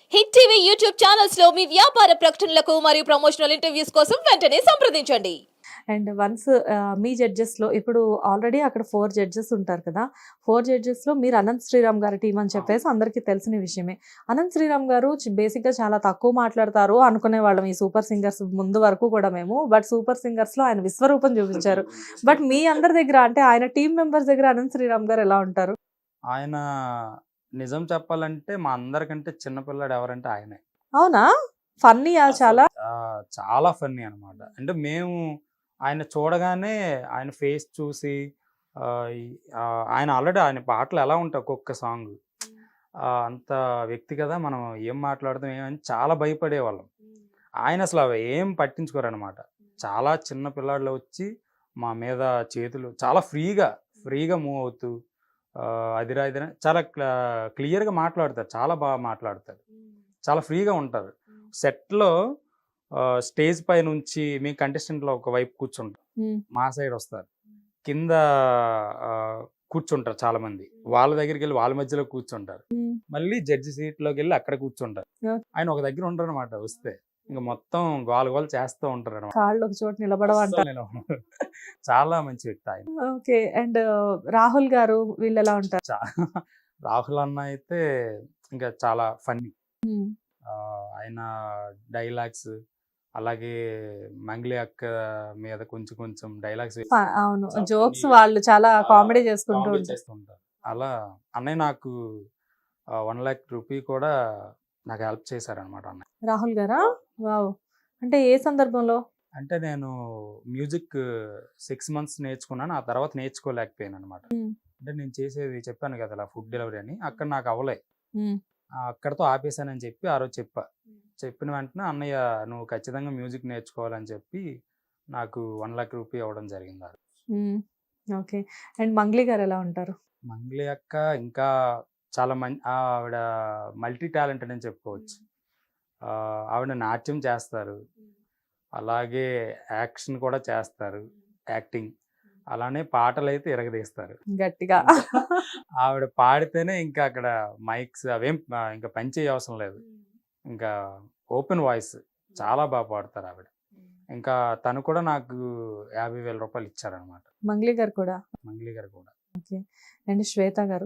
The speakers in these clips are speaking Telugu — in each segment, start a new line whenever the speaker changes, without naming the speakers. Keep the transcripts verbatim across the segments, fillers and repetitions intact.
హిట్ టీవీ యూట్యూబ్ ఛానల్స్ లో మీ వ్యాపార ప్రకటనలకు మరియు ప్రమోషనల్ ఇంటర్వ్యూస్ కోసం వెంటనే సంప్రదించండి.
అండ్ వన్స్ మీ జడ్జెస్లో ఇప్పుడు ఆల్రెడీ అక్కడ ఫోర్ జడ్జెస్ ఉంటారు కదా, ఫోర్ జడ్జెస్లో మీరు అనంత్ శ్రీరామ్ గారి టీం అని చెప్పేసి అందరికీ తెలిసిన విషయమే. అనంత్ శ్రీరామ్ గారు బేసిక్గా చాలా తక్కువ మాట్లాడతారు అనుకునే వాళ్ళం ఈ సూపర్ సింగర్స్ ముందు వరకు కూడా మేము. బట్ సూపర్ సింగర్స్లో ఆయన విశ్వరూపం చూపించారు. బట్ మీ అందరి దగ్గర అంటే ఆయన టీం మెంబర్స్ దగ్గర అనంత్ శ్రీరామ్ గారు ఎలా ఉంటారు?
ఆయన నిజం చెప్పాలంటే మా అందరికంటే చిన్నపిల్లాడు ఎవరంటే ఆయనే.
అవునా? ఫన్నీయా చాలా?
ఆ, చాలా ఫన్నీ అనమాట. అంటే మేము ఆయన చూడగానే ఆయన ఫేస్ చూసి ఆ, ఈ- ఆ, ఆయన ఆల్రెడీ ఆయన పాటలు ఎలా ఉంటాయి ఒక్కొక్క సాంగ్ అంత వ్యక్తి కదా, మనం ఏం మాట్లాడదాం ఏమని చాలా భయపడేవాళ్ళం. ఆయన అసలు అవి ఏం పట్టించుకోరు అనమాట. చాలా చిన్న పిల్లాడిలో వచ్చి మా మీద చేతులు చాలా ఫ్రీగా ఫ్రీగా మూవ్ అవుతూ ఆ, అదిరా ఇదిరా చాలా క్లియర్గా మాట్లాడతారు, చాలా బాగా మాట్లాడతారు, చాలా ఫ్రీగా ఉంటారు. సెట్లో స్టేజ్ పై నుంచి మీ కంటెస్టెంట్లో ఒక వైపు కూర్చుంటారు,
Hmm.
మా సైడ్ వస్తారు, కింద ఆ, కూర్చుంటారు చాలా మంది, వాళ్ళ దగ్గరికి వెళ్ళి వాళ్ళ మధ్యలో కూర్చుంటారు,
Hmm.
మళ్ళీ జడ్జి సీట్లోకి వెళ్ళి అక్కడ కూర్చుంటారు.
Okay.
ఆయన ఒక దగ్గర ఉండరు అనమాట. వస్తే ఇంకా మొత్తం గోల గోల చేస్తూ ఉంటారు అనమాట.
కాళ్ళు ఒక చోట నిలబడవంట.
చాలా మంచి వ్యక్తి ఆయన.
ఓకే. అండ్ రాహుల్ గారు వీళ్ళు ఎలా ఉంటారు?
చా- రాహుల్ అన్న అయితే ఇంకా చాలా ఫన్నీ.
Hmm.
ఆయన డైలాగ్స్, అలాగే మంగ్లీ అక్క మీద కొంచెం కొంచెం డైలాగ్స్
ఫ- అవును, జోక్స్ వాళ్ళు చాలా కామెడీ చేసుకుంటూ ఉంటారు.
చేస్తుంటారు. అలా అన్నయ్య నాకు వన్ లాక్ రూపీ కూడా నాకు హెల్ప్ చేశారనమాట అన్నయ్య.
రాహుల్ గారా? వావ్. అంటే ఏ సందర్భంలో?
అంటే నేను మ్యూజిక్ సిక్స్ మంత్స్ నేర్చుకున్నాను, ఆ తర్వాత నేర్చుకోలేకపోయాను అనమాట.
Hmm.
అంటే నేను చేసేది చెప్పాను కదా అలా ఫుడ్ డెలివరీ అని, అక్కడ నాకు అవ్వలే.
Hmm.
ఆ, అక్కడతో ఆపేశానని చెప్పి ఆ రోజు చెప్పా. చెప్పిన వెంటనే అన్నయ్య నువ్వు ఖచ్చితంగా మ్యూజిక్ నేర్చుకోవాలని చెప్పి నాకు వన్ లాక్ రూపీ అవ్వడం జరిగింది. ఆ రోజు.
Hmm. ఓకే. అండ్ మంగ్లీ గారు ఎలా ఉంటారు?
మంగ్లీ అక్క ఇంకా చాలా మంచి ఆవిడ మల్టీ టాలెంటెడ్ అని చెప్పుకోవచ్చు. ఆ, ఆవిడ నాట్యం చేస్తారు, అలాగే యాక్షన్ కూడా చేస్తారు, యాక్టింగ్, అలానే పాటలు అయితే ఇరగదీస్తారు.
గట్టిగా.
ఆవిడ పాడితేనే ఇంకా అక్కడ మైక్స్ అవేం ఆ, ఇంకా పనిచేయ అవసరం లేదు, ఇంకా ఓపెన్ వాయిస్, చాలా బాగా పాడతారు ఆవిడ. ఇంకా తను కూడా నాకు యాభై వేల రూపాయలు ఇచ్చారనమాట,
మంగ్లీ గారు కూడా.
మంగ్లీ గారు కూడా.
ఓకే. అండ్ శ్వేత గారు?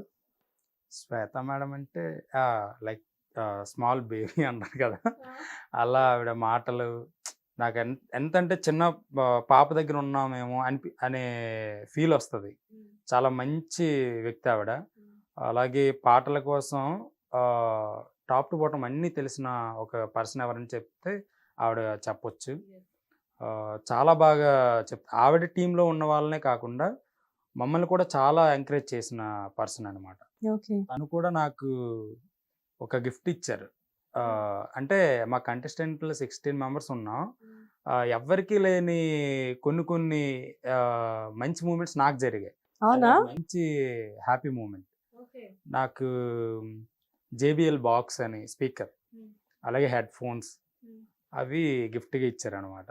శ్వేత మేడం అంటే లైక్ స్మాల్ బేబీ అంటారు కదా, అలా ఆవిడ మాటలు నాకు ఎంత ఎంత అంటే చిన్న ఆ, పాప దగ్గర ఉన్నామేమో అనిపి అనే ఫీల్ వస్తుంది. చాలా మంచి వ్యక్తి ఆవిడ. అలాగే పాటల కోసం టాప్ టు బాటం అన్నీ తెలిసిన ఒక పర్సన్ ఎవరని చెప్తే ఆవిడ చెప్పొచ్చు. ఆ, చాలా బాగా చెప్ ఆవిడ టీంలో ఉన్న వాళ్ళనే కాకుండా మమ్మల్ని కూడా చాలా ఎంకరేజ్ చేసిన పర్సన్ అనమాట.
ఓకే.
తను కూడా నాకు ఒక గిఫ్ట్ ఇచ్చారు. ఆ, అంటే మా కంటెస్టెంట్లు సిక్స్టీన్ మెంబర్స్ ఉన్నాం. ఆ, ఎవ్వరికీ లేని కొన్ని కొన్ని ఆ, మంచి మూమెంట్స్ నాకు జరిగాయి.
అవునా?
అది మంచి హ్యాపీ మూమెంట్. నాకు జేబిఎల్ బాక్స్ అని స్పీకర్, అలాగే హెడ్ ఫోన్స్ అవి గిఫ్ట్గా ఇచ్చారనమాట.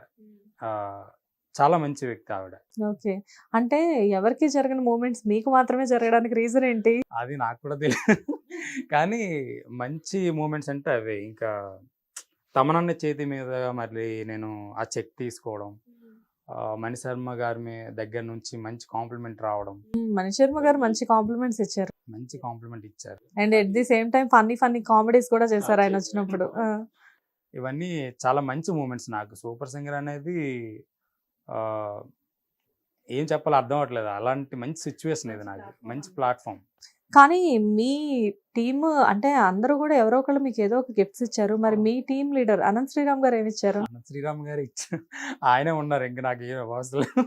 చాలా మంచి వ్యక్తి ఆవిడ.
ఓకే. అంటే ఎవరికి జరగని మూమెంట్స్ మీకు మాత్రమే జరగడానికి రీజన్ ఏంటి?
అది నాకు కూడా తెలియదు, కానీ మంచి మూమెంట్స్ అంటే అవే. ఇంకా తమనన్న చేతి మీద మళ్ళీ నేను ఆ చెక్ తీసుకోవడం, ఆ, మణి శర్మ గారి మీ దగ్గర నుంచి మంచి కాంప్లిమెంట్ రావడం,
మ్మ్, మణి శర్మ గారు మంచి కాంప్లిమెంట్స్ ఇచ్చారు.
మంచి కాంప్లిమెంట్ ఇచ్చారు.
And at the same time funny funny comedies కూడా చేశారు ఆయన వచ్చినప్పుడు. ఆ.
ఇవన్నీ చాలా మంచి మూమెంట్స్. నాకు సూపర్ సింగర్ అనేది ఆ, ఏం చెప్పాలో అర్థం అవ్వట్లేదు, అలాంటి మంచి సిచ్యువేషన్ ఇది, నాకు మంచి ప్లాట్ఫామ్.
కానీ మీ టీమ్ అంటే అందరూ కూడా ఎవరో ఒకళ్ళు మీకు ఏదో ఒక గిఫ్ట్స్ ఇచ్చారు. మరి మీ టీమ్ లీడర్ అనంత్ శ్రీరామ్ గారు ఏమి ఇచ్చారు?
అనంత్ శ్రీరామ్ గారు ఇచ్చారు, ఆయనే ఉన్నారు, ఇంకా నాకు ఏం అవసరం లేదు.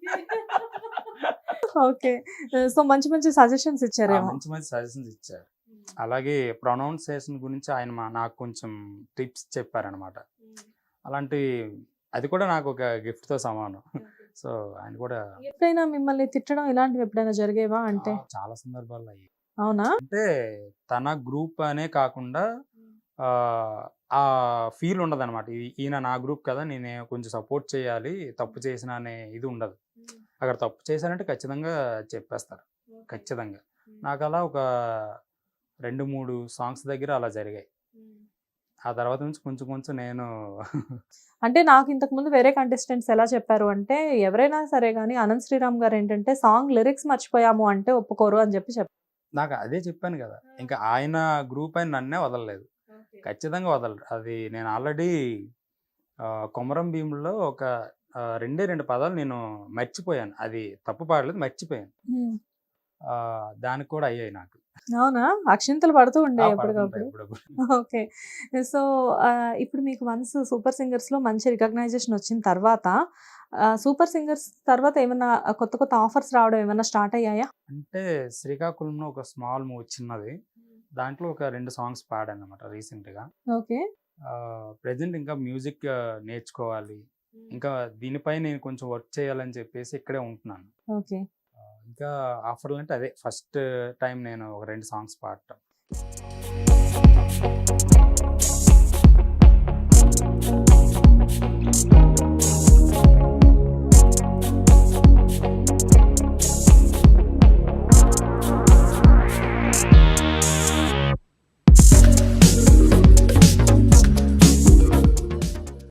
ఓకే. సో మంచి మంచి సజెషన్స్
ఆ,
ఇచ్చారేమో.
మంచి మంచి సజెషన్స్ ఇచ్చారు. అలాగే ప్రొనౌన్సియేషన్ గురించి ఆయన మా- నాకు కొంచెం టిప్స్ చెప్పారనమాట. అలాంటి అది కూడా నాకు ఒక గిఫ్ట్తో సమానం. సో ఆయన కూడా
ఎప్పుడైనా మిమ్మల్ని తిట్టడం ఇలాంటివి ఎప్పుడైనా జరిగేవా అంటే?
ఆ, చాలా సందర్భాల్లో అయ్యాయి.
అవునా?
అంటే తన గ్రూప్ అనే కాకుండా ఆ, ఆ ఫీల్ ఉండదు అనమాట. ఈయన నా గ్రూప్ కదా, నేను కొంచెం సపోర్ట్ చేయాలి, తప్పు చేసిన అనే ఇది ఉండదు. అక్కడ తప్పు చేశానంటే ఖచ్చితంగా చెప్పేస్తారు, ఖచ్చితంగా. నాకు అలా ఒక రెండు మూడు సాంగ్స్ దగ్గర అలా జరిగాయి. ఆ తర్వాత నుంచి కొంచెం కొంచెం నేను
అంటే నాకు ఇంతకు ముందు వేరే కంటెస్టెంట్స్ ఎలా చెప్పారు అంటే, ఎవరైనా సరే గానీ అనంత్ శ్రీరామ్ గారు ఏంటంటే, సాంగ్ లిరిక్స్ మర్చిపోయాము అంటే ఒప్పుకోరు అని చెప్పి చెప్పారు.
నాకు అదే చెప్పాను కదా! ఇంకా ఆయన గ్రూప్ ఆయన నన్నే వదలలేదు. ఖచ్చితంగా వదలరు. అది నేను ఆల్రెడీ ఆహ్, 'కొమరం భీము'లో ఒక ఆహ్, రెండే రెండు పదాలు నేను మర్చిపోయాను. అది తప్పు పాడలేదు, మర్చిపోయాను.
హ్మ్.
ఆహ్, దానికి కూడా అయ్యాయి నాకు.
అవునా? అక్షింతలు పడుతూ
ఆ!
ఉండేయి
పడుతుంటాయి
ఎప్పటికప్పుడు.
అప్పుడప్పుడు.
ఓకే. సో, ఆహ్, ఇప్పుడు మీకు వన్స్ 'సూపర్ సింగర్స్‌లో' మంచి రికగ్నైజేషన్ వచ్చిన తర్వాత ఆహ్, 'సూపర్ సింగర్స్' తర్వాత ఏమన్నా కొత్త కొత్త ఆఫర్స్ రావడం ఏమన్నా స్టార్ట్ అయ్యాయా?
అంటే శ్రీకాకుళంలో ఒక స్మాల్ మూవీ చిన్నది. దాంట్లో ఒక రెండు సాంగ్స్ పాడానన్నమాట రీసెంట్‌గా.
ఓకే.
ఆహ్, ప్రెజెంట్ ఇంకా మ్యూజిక్ నేర్చుకోవాలి. ఇంకా దీనిపై నేను కొంచెం వర్క్ చేయాలని చెప్పేసి ఇక్కడే ఉంటున్నాను.
ఓకే.
ఆహ్, ఇంకా ఆఫర్‌లంటే అదే ఫస్ట్ టైమ్ నేను ఒక రెండు సాంగ్స్ పాడటం.